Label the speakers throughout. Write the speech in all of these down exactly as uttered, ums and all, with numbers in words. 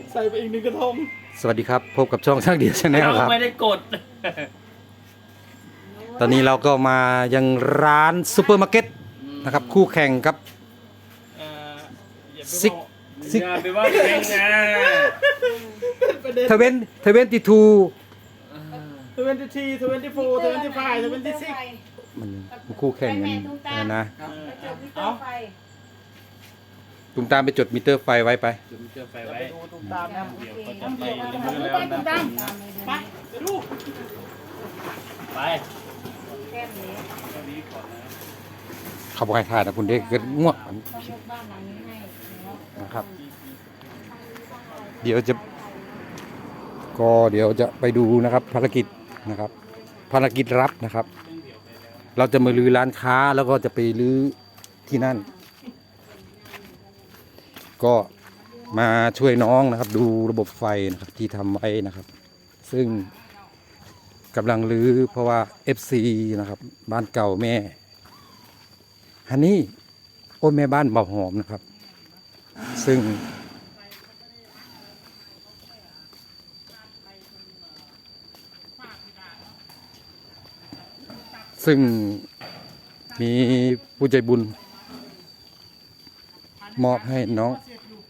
Speaker 1: ใส่ไปอีกหนึ่งกระทง
Speaker 2: สวัสดีครับพบกับช่องช่างเดียวชาแนลครับ
Speaker 1: เราไม่ได้กด
Speaker 2: ตอนนี้เราก็มายังร้านซูเปอร์มาร์เก็ตนะครับคู่แข่งกับซิกซิก
Speaker 1: อย่าไปว่าแข่งนะ
Speaker 2: เทเวนเทเวนตีทู
Speaker 1: ทเวนตี้ทีทเวนตี้โฟร์ทเวนตี้ไฟทเวนตี้ซิก
Speaker 2: มันคู่แข่งกันนะ
Speaker 1: เอา
Speaker 2: ตุ้มตามไปจดมิเตอร์ไฟไว้ไป
Speaker 1: จุดมิเตอร์ไฟไว้ตุ้มตามนะเดี๋ยวเขาจะไปรีวิวแล้วนะไปไปดูไป
Speaker 2: เขาบอกให้ถ่ายนะคุณเด็กเกิดง่วงนะครับเดี๋ยวจะก็เดี๋ยวจะไปดูนะครับภารกิจนะครับภารกิจรับนะครับเราจะมาลื้อร้านค้าแล้วก็จะไปลื้อที่นั่นก็มาช่วยน้องนะครับดูระบบไฟนะครับที่ทำไว้นะครับซึ่งกำลังรื้อเพราะว่า เอฟ ซี นะครับบ้านเก่าแม่ฮันนี่โอ้แม่บ้านเบาหอมนะครับซึ่งซึ่งมีผู้ใจบุญมอบให้น้อง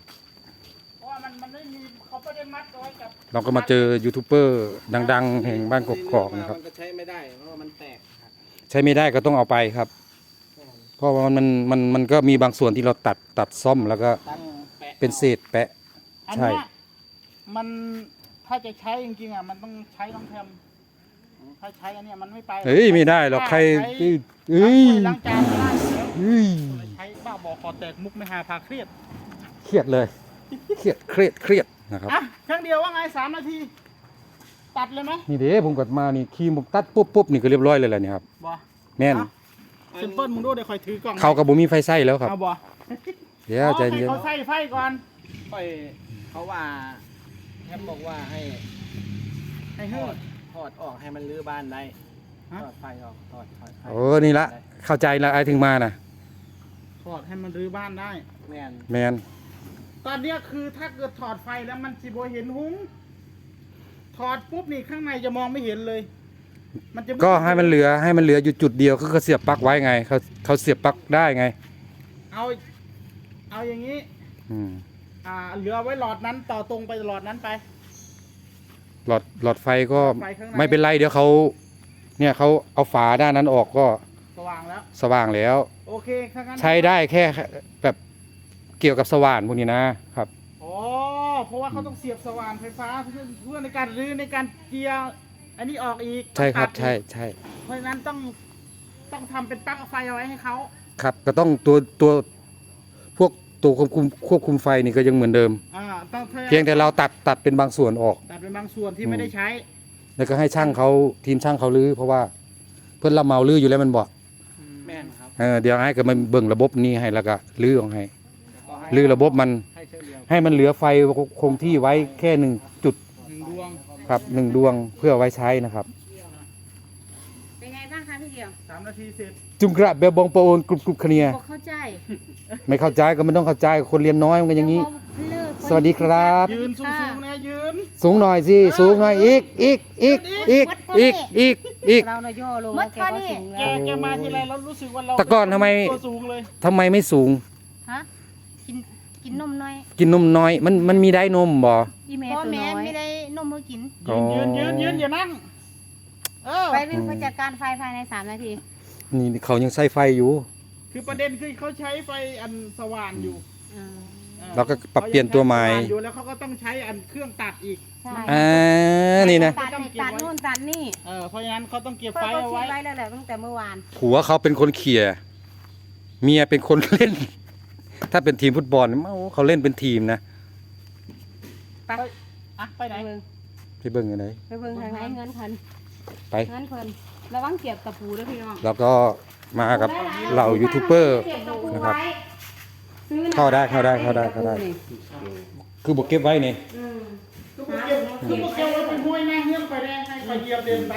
Speaker 2: เราก็มาเจอยูทูบเบอร์ดังๆแห่งบ้านกกอกนะครับ
Speaker 1: ใช้ไม่ได้เพราะมันแตก
Speaker 2: ใช้ไม่ได้ก็ต้องเอาไปครับเพราะว่ามันมันมันก็มีบางส่วนที่เราตัดตัดซ่อมแล้วก็เป็นเศษแปะใช่
Speaker 1: มันถ้าจะใช้จริงๆอ่ะมันต้องใช้ต้องแทมถ้าใช้อันนี้มันไม่ไป
Speaker 2: เฮ้ยไม่ได้หรอกใครเฮ้ย
Speaker 1: ล้างจานไม่ได้
Speaker 2: เฮ้ย
Speaker 1: ใช้บ้าบอคอแตกมุกไม่หาพาเครียด
Speaker 2: เครียดเลยเครียดเครียดเครียดนะครับ
Speaker 1: อ่ะครั้งเดียวว่าไงสามนาทีตัดเลยไหม
Speaker 2: นี่เด้ผมกดมานี่คีมผมตัดปุ๊บปุ๊บนี่ก็เรียบร้อยเลยแหละนี่ครับ
Speaker 1: บ่
Speaker 2: แม่น
Speaker 1: ซิมเปิลมึงดูเดี๋ยวคอยถือกล่อง
Speaker 2: เขากับบุมีไฟใส่แล้วครับ
Speaker 1: เอาบ่
Speaker 2: เดี๋ยวใจเย็น
Speaker 1: เขาใส่ไฟก่อน
Speaker 3: ค่อยเขาว่าแอมบอกว่าให้
Speaker 1: ให้ทอด
Speaker 3: ถอดออกให้มันรื้อบ้านได้ถอดไฟออกถอดถอดไฟ
Speaker 2: โอ้นี่ละเข้าใจละไอ้ถึงมาน่ะ
Speaker 1: ถอดให้มันรื้อบ้านได้
Speaker 3: แมน
Speaker 2: แมน
Speaker 1: ตอนนี้คือถ้าเกิดถอดไฟแล้วมันสิบ่เห็นหุ้งถอดปุ๊บนี่ข้างในจะมองไม่เห็นเลย
Speaker 2: มันจะก็ให้มันเหลือให้มันเหลืออยู่จุดเดียวก็เขาเสียบปลั๊กไว้ไงเขาเขาเสียบปลั๊กได้ไง
Speaker 1: เอาเอาอย่างนี้
Speaker 2: อืม
Speaker 1: อ่าเหลือไว้หลอดนั้นต่อตรงไปหลอดนั้นไป
Speaker 2: หลอดหลอดไฟก็ไม่เป็นไรเดี๋ยวเขาเนี่ยเขาเอาฝาด้านนั้นออกก็
Speaker 1: สว่างแล้ว
Speaker 2: สว่างแล้ว
Speaker 1: โอเค
Speaker 2: ใช้ได้แค่แบบเกี่ยวกับสว่านพวกนี้นะครับ
Speaker 1: อ๋อเพราะว่าเขาต้องเสียบสว่านไฟฟ้าเพื่อเพื่อในการรื้อในการเกียร์อันนี้ออกอีก
Speaker 2: ใช่ครับใช่ใช่
Speaker 1: เพราะฉะนั้นต้องต้องทำเป็นปลั๊กไฟเอาไว้ให้เขา
Speaker 2: ครับก็ต้องตัวตัวพวกตัวควบคุมควบคุมไฟนี่ก็ยังเหมือนเดิม
Speaker 1: อ่าต้อง
Speaker 2: เพียงแต่เราตัดตัดเป็นบางส่วนออก
Speaker 1: ตัดเป็นบางส่วนที่ไม่ได้ใช้
Speaker 2: แล้วก็ให้ช่างเขาทีมช่างเขาลื้อเพราะว่าเพื่อนเราเมาลื้ออยู่แล้วมันบอก
Speaker 1: แม่นครับ
Speaker 2: เออเดี๋ยวให้กับมันเบิ่งระบบนี้ให้แล้วก็ลื้อออกให้ลื้อระบบมันให้มันเหลือไฟคงที่ไว้แค่หนึ่งจุด
Speaker 1: หนึ่งดวง
Speaker 2: ครับหนึ่งดวงเพื่อไว้ใช้นะครับ
Speaker 4: เป็นไงบ้างคะพี่เดียว
Speaker 1: สามนาทีเสร็จ
Speaker 2: จุงกระเบลบองโปนกรุบกรุบเคลีย
Speaker 4: เข้าใจ
Speaker 2: ไม่เข้าใจก็ไม่ต้องเข้าใจคนเรียนน้อยมันก็อย่างนี้สวัสดีครับ
Speaker 1: ยืนสูงๆนะยืน
Speaker 2: สูงหน่อยสิสูงหน่อยอีกอีกอีกอีกอีกอีกอีก
Speaker 4: เราเราย่อลงแกก็สูง
Speaker 1: แกแกมาทีไรเรารู้สึกว่าเรา
Speaker 2: ตะก้อนทำไม
Speaker 1: สูงเลย
Speaker 2: ทำไมไม่สูง
Speaker 4: ฮะกินกินนมน้อย
Speaker 2: กินนมน้อยมันมันมีได้นมบ่
Speaker 4: อีเมตัวน้อยไม่ได้นมเมื่อกิน
Speaker 1: ยืนยืนยืนยืนอย่านั่ง
Speaker 4: ไปวิ่งไปจัดการไฟภายในสามนาที
Speaker 2: นี่เขายังใช้ไฟอยู่
Speaker 1: คือประเด็นคือเขาใช้ไฟอันสว่านอยู่
Speaker 2: เราก็ปรับเปลี่ยนตัวใหม่
Speaker 1: อยู่แล้วเขาก็ต้องใช้อันเครื่องตัดอีก
Speaker 2: อ่านี่นะ
Speaker 4: ตัดตัดนู่นตัดนี่
Speaker 1: เออเพราะฉะนั้นเขาต้องเก็บไฟเอาไว้
Speaker 4: ไว้แล้วแหละตั้งแต่เมื่อวาน
Speaker 2: ผัวเขาเป็นคนเขี่ยเมียเป็นคนเล่นถ้าเป็นทีมฟุตบอลเขาเล่นเป็นทีมนะ
Speaker 4: ไป
Speaker 1: อ่ะไปไหน
Speaker 2: ไปเบิ่งยังไง
Speaker 4: ไปเบิ่งทางไหนเงินพัน
Speaker 2: ไป
Speaker 4: เงินพันระวังเก็บตะปูด้วยพี่น้อง
Speaker 2: แล้วก็มากับเหล่ายูทูบเบอร์นะครับเข้าได้เข้าได้เข้าได้เข้าได้คือบอกเก็บไว้นี่
Speaker 1: คือบอกเก็บคือบอกเก็บไว้เป็นห้วยแม่เงี้ยไปได้ให้ไปเหยียบเดินไป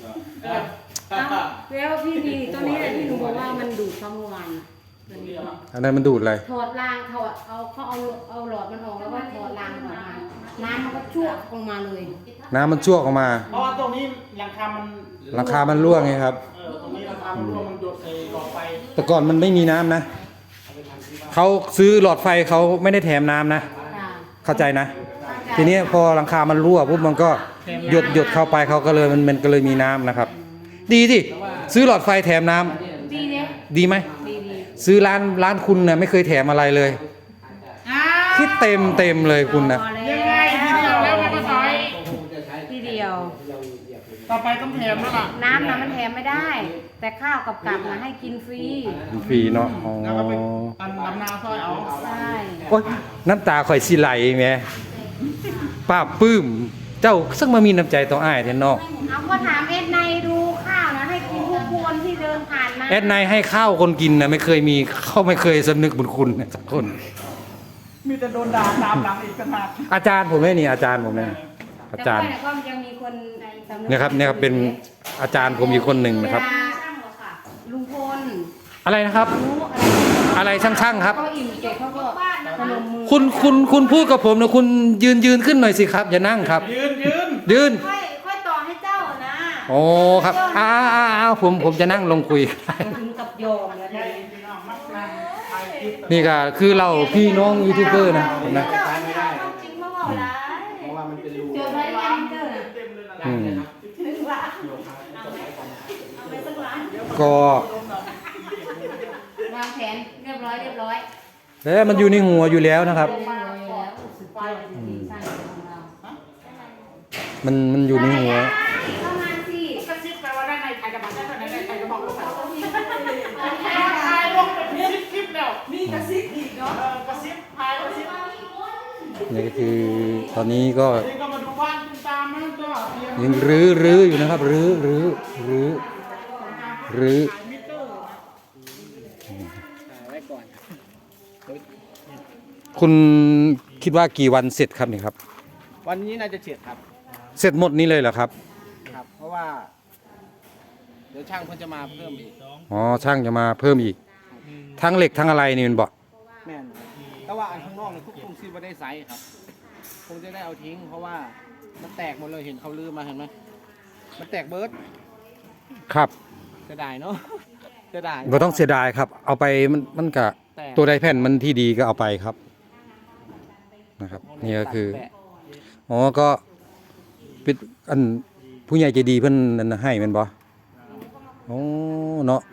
Speaker 4: แล้วพี่มีตัวนี้แหละที่หนูบอกว่ามันดูดข้าววาน
Speaker 2: อันนั้นมันดูดอะไร
Speaker 4: ถอดรางถอดเอาเขาเอาเอาหลอดมันออกแล้วก็ถอดรางออกมาน้ำมันก็ชั่วลงมาเลย
Speaker 2: น้ำมันชั่วออกมา
Speaker 1: เพราะว่าตรงนี้หลังคามัน
Speaker 2: หลังคามันรั่วไงครับ
Speaker 1: เออตรงนี้หลังคามันรั่วมันหยดใส่หลอดไฟ
Speaker 2: แต่ก่อนมันไม่มีน้ำนะเขาซื้อหลอดไฟเขาไม่ได้แถมน้ำนะ
Speaker 4: จ้ะ
Speaker 2: เข้าใจนะ ทีนี้พอหลังคามันรั่วปุ๊บมันก็หยดหยดเข้าไปเขาก็เลยมันมันก็เลยมีน้ำนะครับ ดีสิซื้อหลอดไฟแถมน้ำ
Speaker 4: ดีเนี่ย
Speaker 2: ดีไหม
Speaker 4: ดีดี
Speaker 2: ซื้อร้านร้านคุณนะไม่เคยแถมอะไรเลย
Speaker 1: อ้า
Speaker 2: คิดเต็มเต็มเลยคุณนะ
Speaker 4: พอแล้ว
Speaker 1: ยังไงทีเดียวแล้วมันก็ซอย
Speaker 4: ทีเดียว
Speaker 1: ต่อไปต้องแถมแล้วล่ะ
Speaker 4: น้ำนะมันแถมไม่ได้ แต่ข้าวกับกับนะให้กินฟรี
Speaker 2: ฟรีเนาะอ๋อ
Speaker 1: แล้วก็เป็นอันดำนาซอยเอา
Speaker 4: ใช่
Speaker 2: โอ๊ยน้ำตาข่อยสิไหลแหม่ป้าบปื้ม เจ้าสักมามีน้ำใจต่ออ้ายแท้เนาะ
Speaker 4: เอาก็ถามเอ็ดในดูข้าวนะให้กินทุกคนที่เดินผ่านมา
Speaker 2: แอดไนายให้ข้าวคนกินนะไม่เคยมีเขาไม่เคยสำนึกบุญคุณนะสักคน
Speaker 1: มีแต่โดนด่าตามหลังอีกขนาด
Speaker 2: อาจารย์ผมเนี่ยนี่อาจารย์ผมเนี่ยอาจารย์
Speaker 4: แต่ก็ยังมีคนสำก
Speaker 2: เนี่ยครับเนี่ยครับเป็นอาจารย์ผมอีกคนหนึ่งนะครับ
Speaker 4: เวลาลุงพล
Speaker 2: อะไรนะครับ
Speaker 4: รู้
Speaker 2: อะไรช่างๆครับ
Speaker 4: ก็อิ่มเสร็จเขาก็พนมมือ
Speaker 2: คุณคุณคุณพูดกับผมนะคุณยืนยืนขึ้นหน่อยสิครับ อย่านั่งครับ
Speaker 1: ยืนยืน
Speaker 2: ยืน
Speaker 4: ค่อยค่อยต่อให้เจ้านะ
Speaker 2: โอ้ครับอ้าวอ้าวอ้าวผมผมจะนั่งลงคุย
Speaker 4: ถึงกับโยมแล้วเนี่ย
Speaker 2: นี่ก็คือเราพี่น้องยูทูบเบอร์นะผมนะ
Speaker 4: เจ้าไม่ได้จริงมาบอกได้
Speaker 3: เพราะว่ามันเป็นรู
Speaker 4: เจอไว้ยังเจอ
Speaker 2: อืม
Speaker 4: ถึงละเอาไปสักล้าน
Speaker 2: ก็
Speaker 4: วางแผนเรียบร้อยเรียบร้อย
Speaker 2: เอ๊ะมันอยู่ในหัวอยู่แล้วนะครับ
Speaker 4: เรียบร้อยแล้วสุดยอดจริงๆสร้างของเรา
Speaker 2: มันมันอยู่ในหัว
Speaker 4: เข้ามาสิ
Speaker 1: กระซิบแปลว่าได้ในใครจะบอกได้ในใครจะบอกลงไปพายลงเป็นซิปซิปแล้วมีกระซิบอีกเนาะกระซิบพายกระซิบ
Speaker 2: นี่ก็คือตอนนี้ก็
Speaker 1: นี่ก็มาดูบ้านคุณตามนะก็เตรียม
Speaker 2: ยังรื้อรื้ออยู่นะครับ รื้อรื้อรื้อรื้อ
Speaker 1: มิเตอร์
Speaker 3: ไว้ก่อน
Speaker 2: คุณคิดว่ากี่วันเสร็จครับนี่ครับ
Speaker 3: วันนี้น่าจะเสร็จครับ
Speaker 2: เสร็จหมดนี้เลยเหรอครับ
Speaker 3: ครับ เพราะว่า เดี๋ยวช่างเพิ่นจะมาเพิ่มอีก
Speaker 2: อ๋อช่างจะมาเพิ่มอีก ทั้งเหล็กทั้งอะไรนี่มันบอก
Speaker 3: แม่นแต่ว่าอันข้างนอกเนี่ยคุกคุมซีบ่ได้ไซส์ครับคงจะได้เอาทิ้ง เพราะว่ามันแตกหมดเลยเห็นเขาลือมาเห็นไหมมันแตกเบิร์ด
Speaker 2: ครับ
Speaker 3: จะได้เนาะจะได้
Speaker 2: ก็ต้องเสียดายครับ เอาไปมันมันกะ
Speaker 3: แตก
Speaker 2: ตัวใดแผ่นมันที่ดีก็เอาไปครับนะครับ นี่ก็คือ
Speaker 3: แตก
Speaker 2: อ๋อก็เป็นอันผู้ใหญ่ใจดีเพิ่นนั่นน่ะให้แมันบ่โอ้เนาะ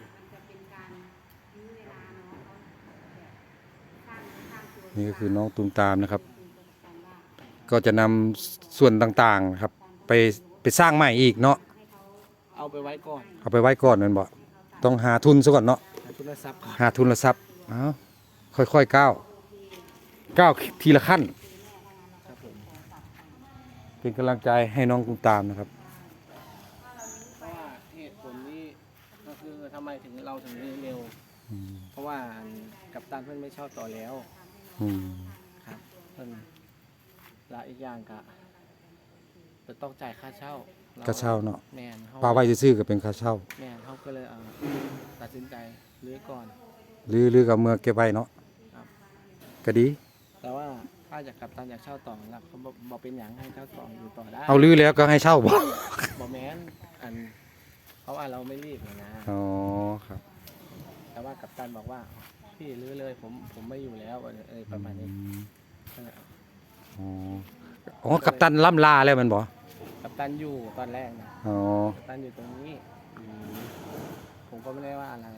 Speaker 2: นี่ก็คือน้องตูมตามนะครับ ก็จะนำส่วนต่างๆครับ ไปไปสร้างใหม่อีกเนาะ
Speaker 3: เอาไปไว้ก่อน
Speaker 2: เอาไปไว้ก่อนแมันบ่ต้องหาทุนซะก่อนเนาะ
Speaker 3: หาทุนทรัพย์
Speaker 2: หาทุนทรัพย์อ้าวค่อยๆก้าวก้าวทีละขั้น
Speaker 3: ครับผม
Speaker 2: เป็นกำลังใจให้น้องตูมตามนะครับ
Speaker 3: เพราะว่าเหตุผลนี้ก็คือทำไมถึงเราถึงเร็ว
Speaker 2: อืม
Speaker 3: เพราะว่ากัปตันเพิ่นไม่ชอบต่อแล้ว
Speaker 2: อืม
Speaker 3: ครับเพิ่นและอีกอย่างก็จะต้องจ่ายค่าเช่า
Speaker 2: ค่าเช่าเนาะ
Speaker 3: แมนเขา
Speaker 2: ปลาไว้ซื่อๆก็เป็นค่าเช่า
Speaker 3: แมนเขาก็เลยเอาตัดสินใจรื้อก่อน
Speaker 2: หรือหรือกับเมื่อเก็บไว้เนาะ
Speaker 3: ครับ
Speaker 2: ก็ดี
Speaker 3: แต่ว่าถ้าอยากกัปตันอยากเช่าต่อแล้วเขาบอกบอกเป็นอย่างให้เช่าต่ออยู่ต่อได้
Speaker 2: เอาลือแล้วก็ให้เช่าบ่
Speaker 3: บอกแมนอันเพราะว่าเราไม่รีบนะ
Speaker 2: อ๋อครับ
Speaker 3: แต่ว่ากัปตันบอกว่าพี่รื้อเลยผมผมไม่อยู่แล้วเออประมาณนี้
Speaker 2: อืม
Speaker 3: นั่นแหละ
Speaker 2: อ๋ออ๋อกัปตันล่ำลาแล้วแมันบ่
Speaker 3: กัปตันอยู่ตอนแรกนะ
Speaker 2: อ๋อ
Speaker 3: กัปตันอยู่ตรงนี้อืมผมก็ไม่ได้ว่าอะไร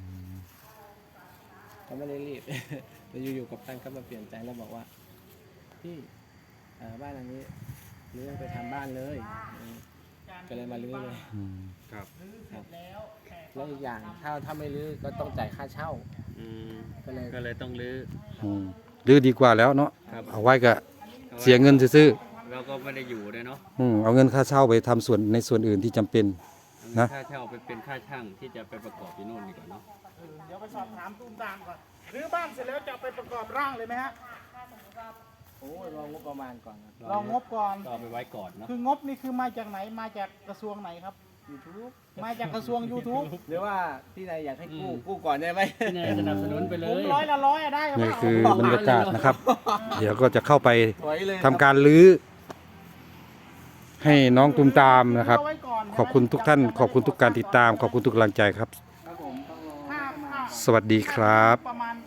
Speaker 3: ก็ไม่ได้รีบ แต่อยู่ๆกัปตันก็มาเปลี่ยนใจแล้วบอกว่าพี่เอ่อบ้านหลังนี้รื้อไปทำบ้านเลยอืมก็เลยมารื้อเลย
Speaker 2: อืม
Speaker 3: ครับแล้วอีกอย่างถ้าถ้าไม่รื้อก็ต้องจ่ายค่าเช่า
Speaker 5: อืม
Speaker 3: ก็เลย
Speaker 5: ก็เลยต้องรื้อ
Speaker 2: อืมลือดีกว่าแล้วเนาะ
Speaker 5: ครับ
Speaker 2: เอาไว้ก็เสียเงินซื้อ
Speaker 5: เราก็ไม่ได้อยู่ด้วยเนาะ
Speaker 2: ๆอืมเอาเงินค่าเช่าไปทำส่วนในส่วนอื่นที่จำเป็น นะ
Speaker 5: ค่าเช่าไปเป็นค่าช่างที่จะไปประกอบอยู่นู่นดีกว่าเนาะ
Speaker 1: เดี๋ยวไปสอบถามตูมตามก่อนรื้อบ้านเสร็จแล้วจะเอาไปประกอบร่างเลยไหมฮะ
Speaker 3: โอ้ยรองงบประมาณก่อนนะ
Speaker 1: ลองงบก่อน
Speaker 5: ก็เอาไปไว้ก่อนเนาะ
Speaker 1: คืองบนี่คือมาจากไหนมาจากกระทรวงไหนครับ
Speaker 3: ยูทูบ
Speaker 1: มาจากกระทรวง YouTube
Speaker 3: หรือว่าพี่นายอยากให้กู้กู้ก่อนได้ไหม
Speaker 5: พี่นายสนับสนุนไปเล
Speaker 1: ผม
Speaker 5: ย
Speaker 1: ร้อยละร้อยอะได้
Speaker 2: นี่
Speaker 1: เปล่า
Speaker 2: คือบรรยากาศนะครับ เดี๋ยวก็จะเข้าไป
Speaker 3: ถอยเลย
Speaker 2: ทำการรื้อให้น้องตุมตามนะครับ
Speaker 1: เาไว้ก่น
Speaker 2: ขอบคุณทุกท่าน ขอบคุณทุกการติดตาม ขอบคุณทุกกำลังใจครับ
Speaker 3: ครับผมต้องรอ
Speaker 1: ถ้าถ้า
Speaker 2: สวัสดีครับ
Speaker 1: ประมาณ